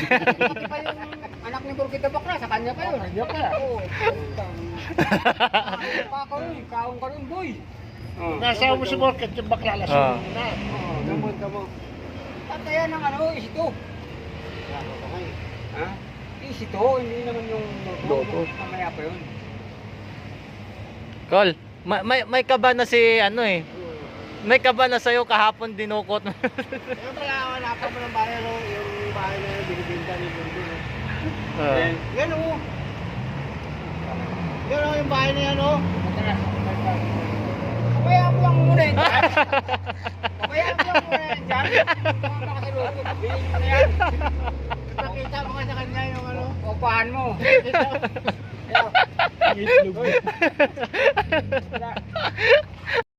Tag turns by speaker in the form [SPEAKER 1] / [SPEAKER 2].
[SPEAKER 1] Hindi pa yung anak ni Burkita Bakla, sa kanya pa yun. Kanya pa. Oo. Pa ako rin, kaong ka rin, boy.
[SPEAKER 2] Nasa mo si Borket, yung bakla lasing na.
[SPEAKER 1] Oo, gamot ka mo. Patayan ng ano, isito. Ha? Isito, hindi naman yung loto. Mamaya pa yun.
[SPEAKER 3] Col, may kaba na si ano eh. May kaba na sa'yo kahapon dinukot.
[SPEAKER 2] Kaya pala, wala pa mo ng bayan, no? Yung bahay na yung binibinta ni Burgo. Yan o. Yan o, yung bahay na yan o.
[SPEAKER 1] Pabayaan mo lang muna yan dyan. Pabayaan mo lang muna yan dyan. Mga makasiluto, sabihin mo na yan.
[SPEAKER 2] Nakita mo nga sa kanya yung ano.
[SPEAKER 1] Upahan mo.
[SPEAKER 2] Itlog.